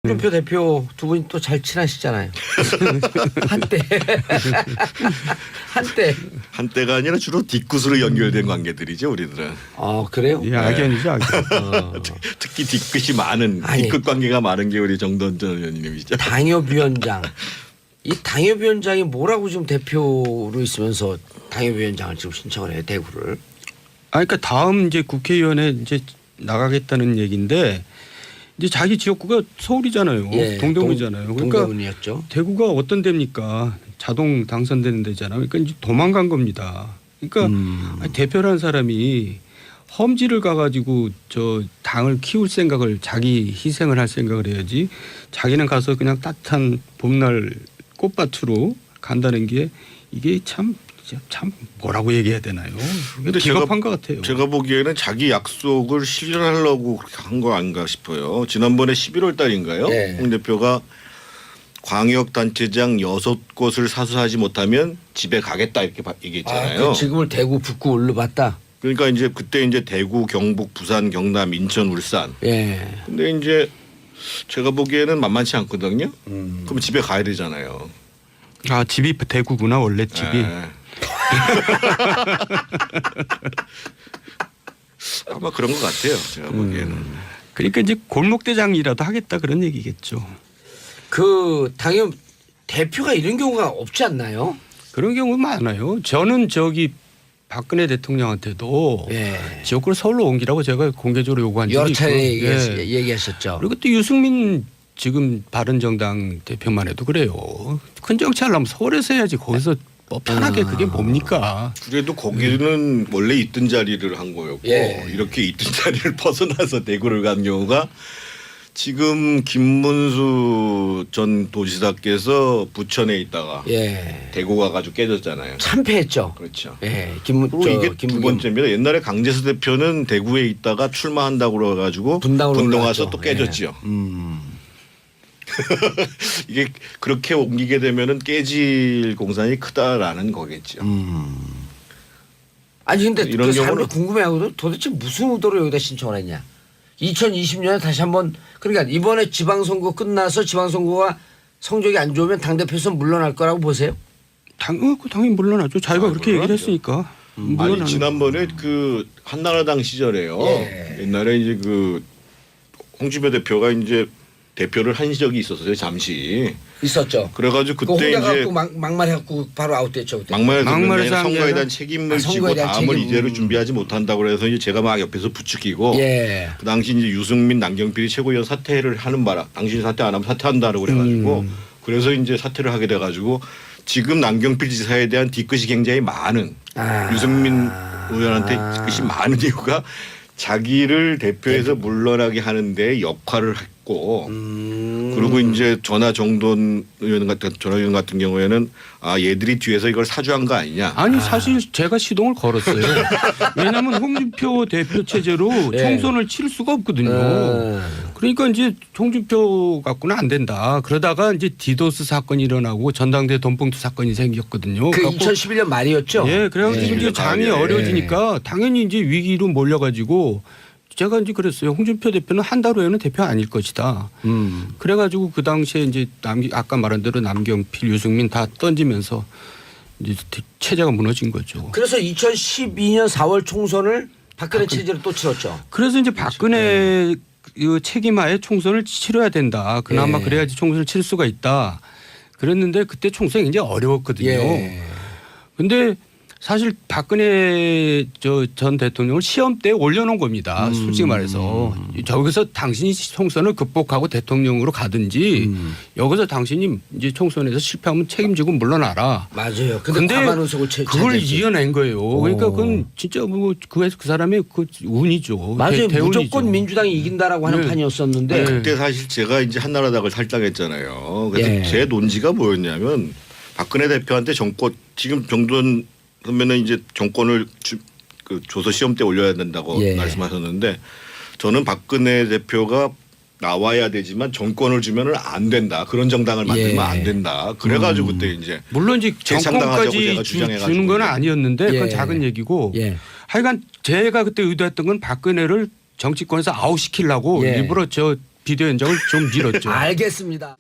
홍준표 대표 두 분이 또 잘 친하시잖아요. 한때. 한때가 아니라 주로 뒤끝으로 연결된 관계들이죠, 우리들은. 그래요? 예, 악연이죠, 악연. 특히 뒤끝이 많은 아니. 뒤끝 관계가 많은 게 우리 정돈 전 의원님이죠. 당협위원장. 이 당협위원장이 뭐라고 지금 대표로 있으면서 당협위원장을 지금 신청을 해요, 대구를. 그러니까 다음 이제 국회의원에 이제 나가겠다는 얘기인데 이제 자기 지역구가 서울이잖아요. 예, 동대문이잖아요. 그러니까 동대문이었죠. 대구가 어떤 데입니까? 자동 당선되는 데잖아요. 그러니까 이제 도망간 겁니다. 그러니까 아니, 대표라는 사람이 험지를 가가지고 저 당을 키울 생각을 자기 희생을 할 생각을 해야지 자기는 가서 그냥 따뜻한 봄날 꽃밭으로 간다는 게 이게 참 뭐라고 얘기해야 되나요? 근데 비겁한 것 같아요. 제가 보기에는 자기 약속을 실현하려고 그렇게 한 거 아닌가 싶어요. 지난번에 11월 달인가요? 네. 홍 대표가 광역단체장 6곳을 사수하지 못하면 집에 가겠다 이렇게 얘기했잖아요. 그 지금을 대구 북구 올려봤다. 그러니까 이제 그때 이제 대구, 경북, 부산, 경남, 인천, 울산. 예. 근데 이제 제가 보기에는 만만치 않거든요. 그럼 집에 가야 되잖아요. 집이 대구구나 원래 집이. 네. 아마 그런 것 같아요. 제가 보기에는. 그러니까 이제 골목대장이라도 하겠다 그런 얘기겠죠. 그 당협 대표가 이런 경우가 없지 않나요? 그런 경우 많아요. 저는 저기 박근혜 대통령한테도 예. 지역구를 서울로 옮기라고 제가 공개적으로 요구한 적이 여러 차례 있고. 얘기하셨죠. 그리고 또 유승민 지금 바른정당 대표만 해도 그래요. 큰 정치하려면 서울에서 해야지 거기서 뭐 편하게 그게 뭡니까? 그래도 거기는 원래 있던 자리를 한 거였고 예. 이렇게 있던 자리를 벗어나서 대구를 간 경우가 지금 김문수 전 도지사께서 부천에 있다가 예. 대구 가가지고 깨졌잖아요. 참패했죠. 그렇죠. 예. 그리고 이게 두 번째입니다. 옛날에 강재수 대표는 대구에 있다가 출마한다고 그래가지고 분당으로 분당 올라갔죠. 와서 또 깨졌죠. 예. 이게 그렇게 옮기게 되면은 깨질 공산이 크다라는 거겠죠. 아니 근데 이런 그 사람이 경우는- 궁금해하거든. 도대체 무슨 의도로 여기다 신청을 했냐. 2020년에 다시 한번 그러니까 이번에 지방선거 끝나서 지방선거가 성적이 안 좋으면 당대표에서 물러날 거라고 보세요? 당연히 물러나죠. 자기가 그렇게 얘기를 물러나죠. 했으니까. 아니 물러나는 지난번에 그 한나라당 시절에요. 예. 옛날에 이제 그 홍준표 대표가 이제 대표를 한 적이 있었어요. 잠시. 있었죠. 그래가지고 그거 그때 혼자 이제 갖고 막말해갖고 바로 아웃됐죠. 그때. 막말에서 막말에서 선거에 하면 대한 책임을 지고 선거에 대한 다음을 책임. 이대로 준비하지 못한다고 그래서 이제 제가 막 옆에서 부추기고 예. 그 당시 이제 유승민 남경필이 최고위원 사퇴를 하는 바람 당신이 사퇴 안 하면 사퇴한다고 그래가지고 그래서 이제 사퇴를 하게 돼가지고 지금 남경필 지사에 대한 뒤끝이 굉장히 많은 유승민 의원한테 뒤끝이 많은 이유가 자기를 대표에서 물러나게 하는데 역할을 했고 그리고 이제 전화 의원 같은 경우에는 얘들이 뒤에서 이걸 사주한 거 아니냐. 아니 사실 제가 시동을 걸었어요. 왜냐하면 홍준표 대표 체제로 예. 총선을 치를 수가 없거든요. 그러니까 이제 홍준표 갖고는 안 된다. 그러다가 이제 디도스 사건이 일어나고 전당대 돈봉투 사건이 생겼거든요. 그 그래갖고 2011년 말이었죠. 예, 그래가지고 예. 이제 장이 어려워지니까 당연히 이제 위기로 몰려가지고 제가 이제 그랬어요. 홍준표 대표는 한 달 후에는 대표 아닐 것이다. 그래가지고 그 당시에 이제 아까 말한 대로 남경필, 유승민 다 던지면서 이제 체제가 무너진 거죠. 그래서 2012년 4월 총선을 박근혜 체제로 또 치렀죠. 그래서 이제 박근혜 그 책임하에 총선을 치러야 된다. 그나마 예. 그래야지 총선을 칠 수가 있다. 그랬는데 그때 총선이 굉장히 어려웠거든요. 예. 근데 사실 박근혜 전 대통령을 시험대에 올려놓은 겁니다. 솔직히 말해서. 저기서 당신이 총선을 극복하고 대통령으로 가든지 여기서 당신이 이제 총선에서 실패하면 책임지고 물러나라. 맞아요. 근데 과반의석을 그걸 차지했지. 이겨낸 거예요. 그러니까 그건 진짜 그 사람의 그 운이죠. 맞아요. 대운이죠. 무조건 민주당이 이긴다라고 하는 네. 판이었었는데 네. 그때 사실 제가 이제 한나라당을 탈당했잖아요. 그래서 예. 제 논지가 뭐였냐면 박근혜 대표한테 지금 정돈 선배는 이제 정권을 줘서 시험 때 올려야 된다고 예. 말씀하셨는데 저는 박근혜 대표가 나와야 되지만 정권을 주면은 안 된다. 그런 정당을 만들면 예. 안 된다. 그래가지고 그때 이제 물론 이제 재창당하자고 정권까지 제가 주장해가지고 주는 건 아니었는데 그건 예. 작은 얘기고 예. 하여간 제가 그때 의도했던 건 박근혜를 정치권에서 아웃시키려고 예. 일부러 저 비대위 원장을 좀 밀었죠. 알겠습니다.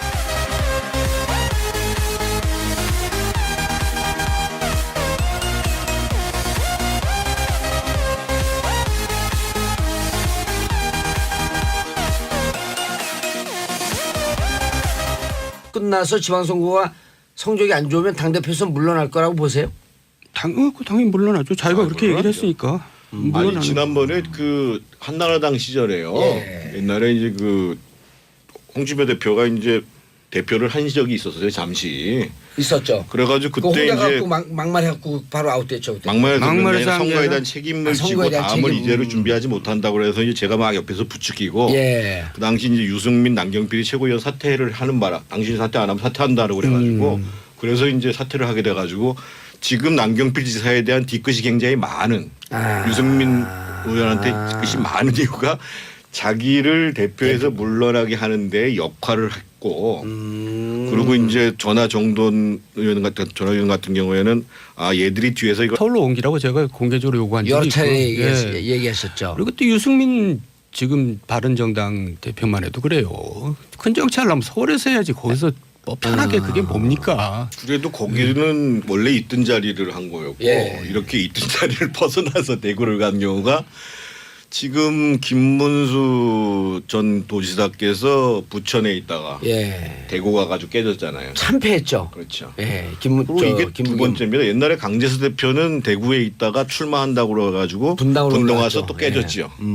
끝나서 지방선거가 성적이 안 좋으면 당대표에서 물러날 거라고 보세요? 당연히 물러나죠. 자기가 그렇게 얘기를 했으니까. 아니 물러나는 지난번에 그 한나라당 시절에요. 예. 옛날에 이제 그 홍준표 대표가 이제 대표를 한 적이 있었어요. 잠시. 있었죠. 그래가지고 그 그때 혼자 이제 갖고 막말해갖고 바로 아웃됐죠. 그때. 막말을 듣는 게 막말에서 아니라 한 게 선거에 아니라 대한 책임을 선거에 지고 대한 다음을 책임. 이대로 준비하지 못한다고 그래서 이제 제가 막 옆에서 부추기고 예. 그 당시 이제 유승민 남경필이 최고위원 사퇴를 하는 바람 당신이 사퇴 안 하면 사퇴한다고 그래가지고 그래서 이제 사퇴를 하게 돼가지고 지금 남경필 지사에 대한 뒤끝이 굉장히 많은 유승민 의원한테 뒤끝이 많은 이유가 자기를 대표에서 물러나게 하는데 역할을 했고 그리고 이제 전화 의원 같은 경우에는 아 얘들이 뒤에서 이거 서울로 옮기라고 제가 공개적으로 요구한 적이 여러 있고. 차례 예. 얘기하셨죠. 그리고 또 유승민 지금 바른정당 대표만 해도 그래요. 큰 정치 하려면 서울에서 해야지 거기서 뭐 편하게 그게 뭡니까? 그래도 거기는 원래 있던 자리를 한 거였고 예. 이렇게 있던 자리를 벗어나서 대구를 간 경우가 지금 김문수 전 도지사께서 부천에 있다가 예. 대구 가가지고 깨졌잖아요. 참패했죠. 그렇죠. 예. 그리고 이게 두 번째입니다. 옛날에 강재수 대표는 대구에 있다가 출마한다고 그래가지고 분당으로 분당 올라갔죠. 와서 또 깨졌지요. 예.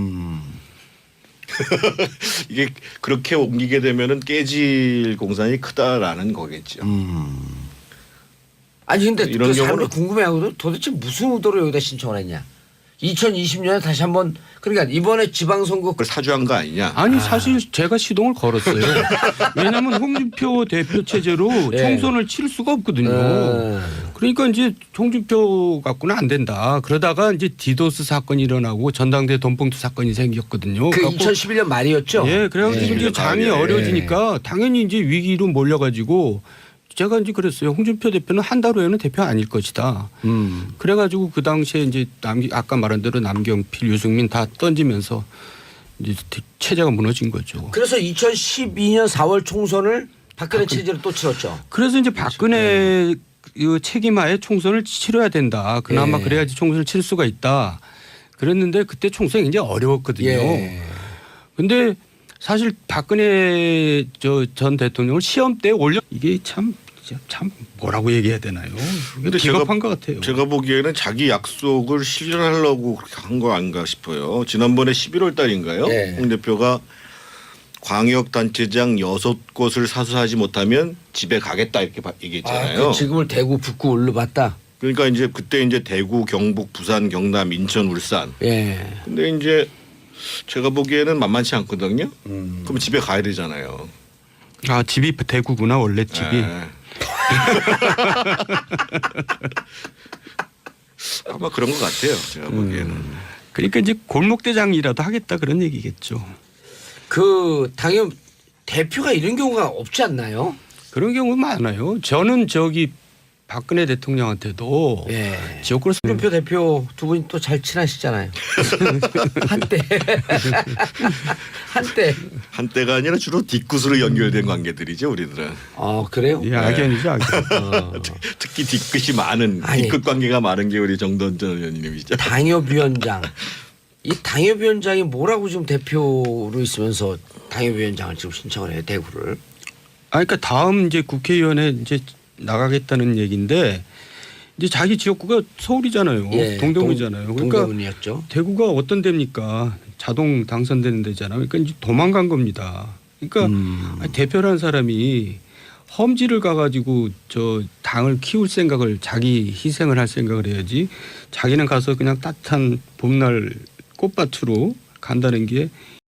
이게 그렇게 옮기게 되면은 깨질 공산이 크다라는 거겠죠. 아니 근데 이런 그 사람들 경우는- 궁금해하거든. 도대체 무슨 의도로 여기다 신청을 했냐? 2020년에 다시 한번 그러니까 이번에 지방선거 그걸 사주한 거 아니냐? 아니 사실 제가 시동을 걸었어요. 왜냐하면 홍준표 대표 체제로 예. 총선을 칠 수가 없거든요. 그러니까 이제 홍준표 갖고는 안 된다. 그러다가 이제 디도스 사건이 일어나고 전당대 돈봉투 사건이 생겼거든요. 그 그래갖고 2011년 말이었죠. 예, 그래가지고 예. 이제 장이 어려지니까 당연히 이제 위기로 몰려가지고 제가 이제 그랬어요. 홍준표 대표는 한 달 후에는 대표 아닐 것이다. 그래가지고 그 당시에 이제 아까 말한 대로 남경필, 유승민 다 던지면서 이제 체제가 무너진 거죠. 그래서 2012년 4월 총선을 박근혜 체제로 또 치렀죠. 그래서 이제 박근혜 그 책임하에 총선을 치러야 된다. 그나마 예. 그래야지 총선을 칠 수가 있다. 그랬는데 그때 총선이 굉장히 어려웠거든요. 예. 근데 사실 박근혜 전 대통령을 시험대에 올려 이게 참 뭐라고 얘기해야 되나요? 근데 비겁한 것 같아요. 제가 보기에는 자기 약속을 실현하려고 그렇게 한 거 아닌가 싶어요. 지난번에 11월 달인가요? 네. 홍 대표가 광역단체장 6곳을 사수하지 못하면 집에 가겠다 이렇게 얘기했잖아요. 그 지금을 대구 북구 올려봤다. 그러니까 이제 그때 이제 대구, 경북, 부산, 경남, 인천, 울산. 예. 근데 이제 제가 보기에는 만만치 않거든요. 그럼 집에 가야 되잖아요. 아 집이 대구구나 원래 집이. 네. 아마 그런 것 같아요. 제가 보기에는. 그러니까 이제 골목대장이라도 하겠다 그런 얘기겠죠. 그 당연 대표가 이런 경우가 없지 않나요? 그런 경우 많아요. 저는 박근혜 대통령한테도 예. 지역구로 홍준표 대표 두 분이 또 잘 친하시잖아요. 한때. 한때가 아니라 주로 뒤끝으로 연결된 관계들이죠, 우리들은. 그래요? 예, 악연이죠 악연. 특히 뒤끝이 많은 아니. 뒤끝 관계가 많은 게 우리 정돈 전 의원님이죠. 당협위원장. 이 당협위원장이 뭐라고 지금 대표로 있으면서 당협위원장을 지금 신청을 해요, 대구를. 그러니까 다음 이제 국회의원에 이제 나가겠다는 얘기인데 이제 자기 지역구가 서울이잖아요. 예, 동대문이잖아요. 그러니까 동대문이었죠. 대구가 어떤 데입니까? 자동 당선되는 데잖아요. 그러니까 이제 도망간 겁니다. 그러니까 아니, 대표라는 사람이 험지를 가가지고 당을 키울 생각을 자기 희생을 할 생각을 해야지 자기는 가서 그냥 따뜻한 봄날 꽃밭으로 간다는 게